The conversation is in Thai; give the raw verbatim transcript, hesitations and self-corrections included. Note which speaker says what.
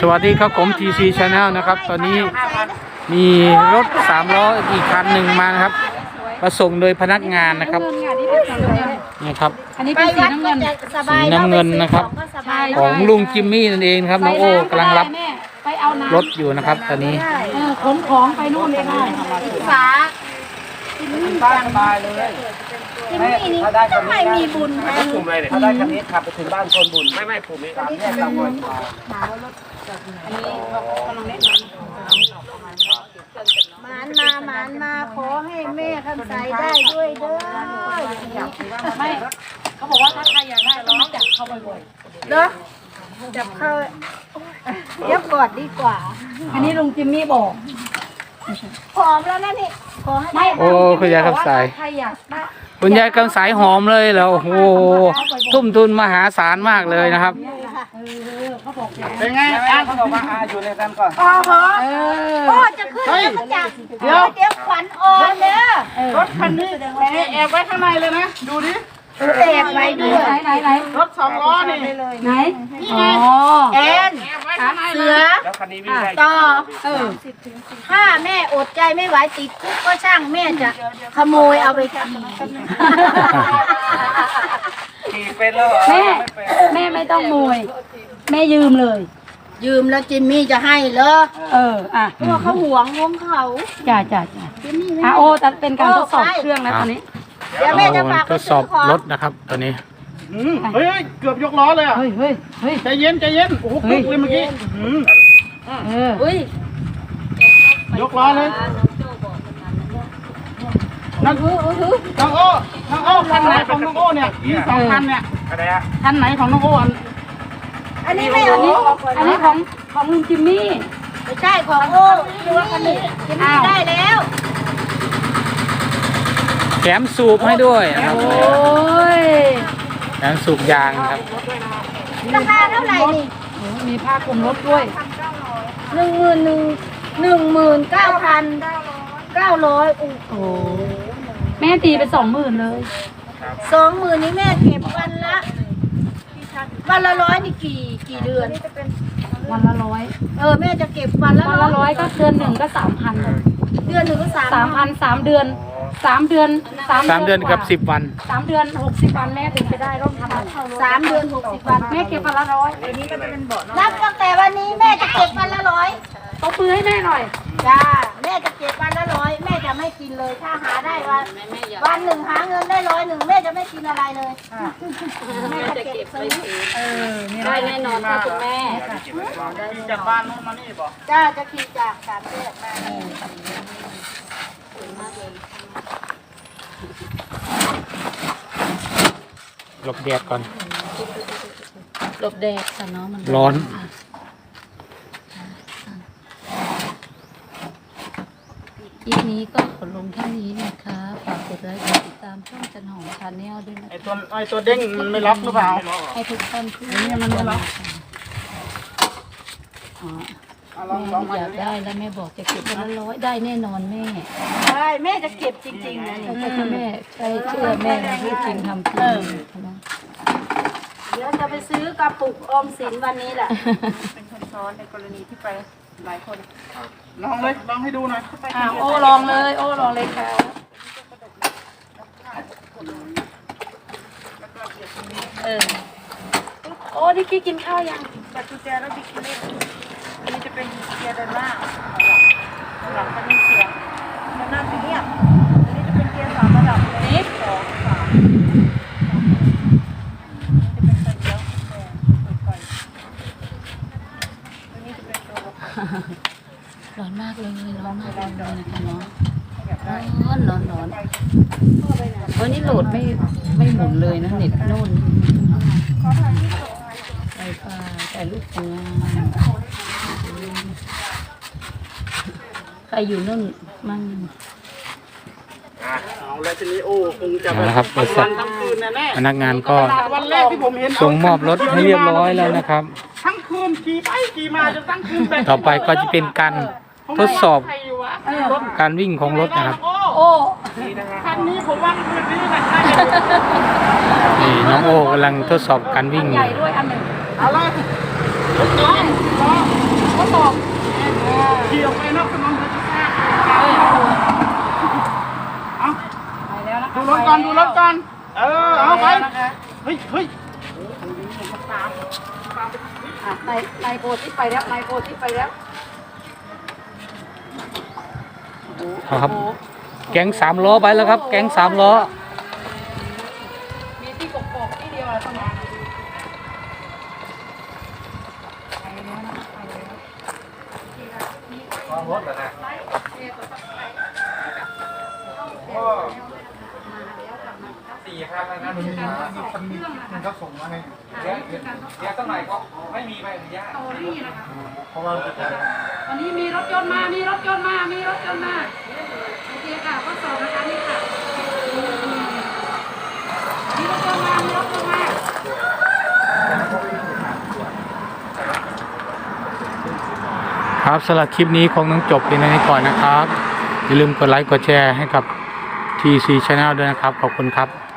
Speaker 1: วัสดีครับผม ที ซี Channel นะครับตอนนี้มีรถสามล้ออีกคันหนึ่งมานะครับมาส่งโดยพนักงานนะครับนี่ครับ
Speaker 2: อันนี้เป็นสีน้ำเงิน
Speaker 1: สีน้ำเงินนะครับของลุงจิมมี่นั่นเองครับน้องโอ้กำลังรับรถอยู่นะครับตอนนี้
Speaker 2: ขนของไปนู่นเลยค่ะสา
Speaker 3: จิมมี่สบายเลยจิมมี่นี่ทำไมมีบุญแทน
Speaker 4: กลุ่มอะไรเนี่ยถ้าได้คันนี้ขับไปถึงบ้านคนบุญไม่ไม่ผมนี่ตามแยกตามหน่วย
Speaker 3: อันนี้กำลังเล่นมานมาหมานมาขอให้แม่คำใสได้ด้วยเด้อ
Speaker 2: ไม่เขาบอกว่าถ้าใครอยากได้ต้องจับเข้าบ่อย
Speaker 3: ๆเด้อจับเข้าเดี๋ยวกอดดีกว่า
Speaker 2: อันนี้ลุงจิมมี่บอก
Speaker 3: หอมแล้วนะนี่ขอให้
Speaker 1: โอ้คุณยายคำใส
Speaker 2: ใครอยากได้
Speaker 1: คุณยายคำใสหอมเลยแล้วโอ้โหทุ่มทุนมหาศาลมากเลยนะครับ
Speaker 4: เป็นไงอ่ะเขาบอกว่าอาอยู่ในกันก่อน
Speaker 3: อ๋อเหรอโอ้จะขึ้นแล้วก็จับเดี๋ยวเดี๋ยวขวัญอ่อนเด้อ
Speaker 4: รถคันนี้แอบไว้ข้างในเลยนะดูดิ
Speaker 3: แอบไว้ด้วย
Speaker 2: ไหนไหนไหน
Speaker 4: รถสองล้อนี่
Speaker 2: ไหนอ๋อ
Speaker 3: แอนเสือต่อ
Speaker 2: เออ
Speaker 3: ถ้าแม่อดใจไม่ไหวติดคุกก็ช่างแม่จะขโมยเอาไปขี่
Speaker 4: ขี่เป็นแล้วเหรอ
Speaker 2: แม่แม่ไม่ต้องโมยแม่ยืมเลย
Speaker 3: ยืมแล้วจิมมี่จะให้เหรอ
Speaker 2: เอออ่ะ
Speaker 3: เพราะว่าเขาหวงวงเขา
Speaker 2: จ้าจ้าจ้าอ่ะโอ้แต่เป็นการทดสอบเครื่องนะตอนนี้
Speaker 3: เดี๋ยวแม่จะฝาก
Speaker 1: ทดสอบรถนะครับตอนนี้
Speaker 4: เฮ้ยเกือบยกล้อเลยอ่ะ
Speaker 2: เฮ้ยเฮ้ยเฮ้ย
Speaker 4: ใจเย็นใจเย็นโอ้โหปึ๊กเลยเมื่อกี้
Speaker 2: เออเฮ้ย
Speaker 4: ยกล้อเลยนั่งน้องโอ้น้องโอ้คันไหนของน้องโอ้เนี่ยมีสองคันเนี่ยคันไหนของน้องโอ้
Speaker 3: อันนี้ไม่อัน
Speaker 2: นี้อันนี้ของของลุงจิมมี่
Speaker 3: ไม่ใช่ของโอ้ตัวคันนี้จิมมี่ได้แล้ว
Speaker 1: แถมสูบให้ด้วยนะครับ
Speaker 2: โอ้ย
Speaker 1: แถมสูบยางครับ
Speaker 3: ราคาเท่าไหร่นี่
Speaker 2: มีผ้าคลุมรถด้วย
Speaker 3: หนึ่งหมื่นหนึ่งหนึ่งหมื่นเก้าพันเก้าร้อยโอ้โห
Speaker 2: แม่ตีไปสองหมื่นเลย
Speaker 3: สองหมื่นนี้แม่เก็บวันละวันละร้อยนี่กี่กี่เดือน
Speaker 2: วันละร้อย
Speaker 3: เออแม่จะเก็บวันละ
Speaker 2: วันละร้อยก็เดือนหนึ่งก็สามพัน
Speaker 3: เดือนหนึ่งก็สาม
Speaker 2: สามพันสามเดือนสามเดือน
Speaker 1: สามเดือนกับสิบวัน
Speaker 2: สามเดือนหกสิบวันแม่ถึงไปได้ร่มทำ
Speaker 3: สามเดือนหกสิบวัน
Speaker 2: แม่เก็บวันละร้อย
Speaker 3: นับตั้งแต่วันนี้แม่จะเก็บวันละร้อย
Speaker 2: เอาปืนให้แม่หน่อย
Speaker 3: จ้าแม่จะเก็บวันละร้อยแม่จะไม่กินเลยถ้าหาได้วันวันหนึ่งหาเงินได้ร้อยหนึ่งแม่จะไม่กินอะไรเลยแม่จะเก็บไป
Speaker 2: เออได้แน่นอนค่ะคุณแม่
Speaker 4: จากบ้านนู้นมานี่บอก
Speaker 3: จ้าจะขี่จากสามแยกมา
Speaker 1: หลบแดดก่อน
Speaker 2: หลบแดดแต่น้องมัน
Speaker 1: ร้อน
Speaker 2: คลิปนี้ก็ขอลงแค่นี้นะคะฝากกดไลค์กดติดตามช่องจันหอมชาแนลด้วยนะ
Speaker 4: ไอตัวไอตัวเด้งมันไม่ล็อกหรือเปล่า
Speaker 2: ให้ทุกท่านที่
Speaker 4: นี่มันไม่ล็อก
Speaker 2: แม่อยากได้แล้วแม่บอกจะเก็บวันละร้อยได้แน่นอนแม่
Speaker 3: ใช่แม่จะเก็บจริงๆนะ
Speaker 2: แม่ใช่เชื่อแม่พูดจริงทำจริง
Speaker 3: เดี๋ยวจะไปซื้อกระปุกออมสินวันนี้แหละ
Speaker 4: เป็นคนซ้อนในกรณีที่ไปหลายคนลองเลยลองให้ดูหน่อย
Speaker 2: โอ้ลองเลยโอ้ลองเลยค่ะเออโอ้ดิกี้กินข้าวยัง
Speaker 4: บัตรกุญแจแล้วดิกี้เล่นอันนี้จะเป็นเกียร์เดินหน้าหลังมันมีเสียงมันน่าจะเงียบอันนี้จะเป็นเกียร์สามระดับ
Speaker 2: นี้
Speaker 4: สองสามจะเป็นไฟเลี้ยวไฟอันนี้จะเป็นตัว
Speaker 2: ร้อนมากเลยร้อนมากเลยนะคะเนาะร้อนร้อนร้อนวันนี้โหลดไม่ไม่หมุนเลยนะเน็ตโน่นไฟฟ้าแต่ลูกงานใครอยู่นู่นมั่ง
Speaker 4: เอาแล้วทีนี้โอ้คงจะ
Speaker 1: นะครับบริษัทพนักงานก็ส่งมอบรถให้เรียบร้อยแล้วนะครับ
Speaker 4: ทั้งคืนขี่ไปขี่มาจนทั้งคืน
Speaker 1: ต่อไปก็จะเป็นการทดสอบการวิ่งของรถนะครับ
Speaker 2: โอ้
Speaker 4: คันนี้ผมว่ามันคืนนี้นะ
Speaker 1: นี่น้องโอ้กำลังทดสอบการวิ่งอยู่
Speaker 2: ใหญ่ด้วยอันหนึ่ง
Speaker 4: เอาเลยรถล้อ
Speaker 1: เอาไปเฮ้ยเฮ้ย
Speaker 2: ในในโพสที่ไปแล้วในโพสที่ไปแล้ว
Speaker 1: เอาครับ แก๊งสามล้อไปแล้วครับ แก๊งสามล้อ
Speaker 2: มีที่กกอกที่เดียวอะตรงนี้
Speaker 1: สี่ครับนะมันมีมันมีมันก็ส่งมาให้เดี๋ยวเดี๋ยวสักหน่อยก็ไม่มีใบอนุญาตเพราะว่า
Speaker 2: วันนี้มีรถยนต์มา มีรถยนต์มา มีรถยนต์มาโอเคค่ะข้อสอบนะคะนี่ค่ะมีรถยนต์มา มีรถยนต์มา
Speaker 1: ครับสำหรับคลิปนี้คงต้องจบเพียงเท่านี้ก่อนนะครับ อย่าลืมกดไลค์กดแชร์ให้กับ ที ซี Channel ด้วยนะครับ ขอบคุณครับ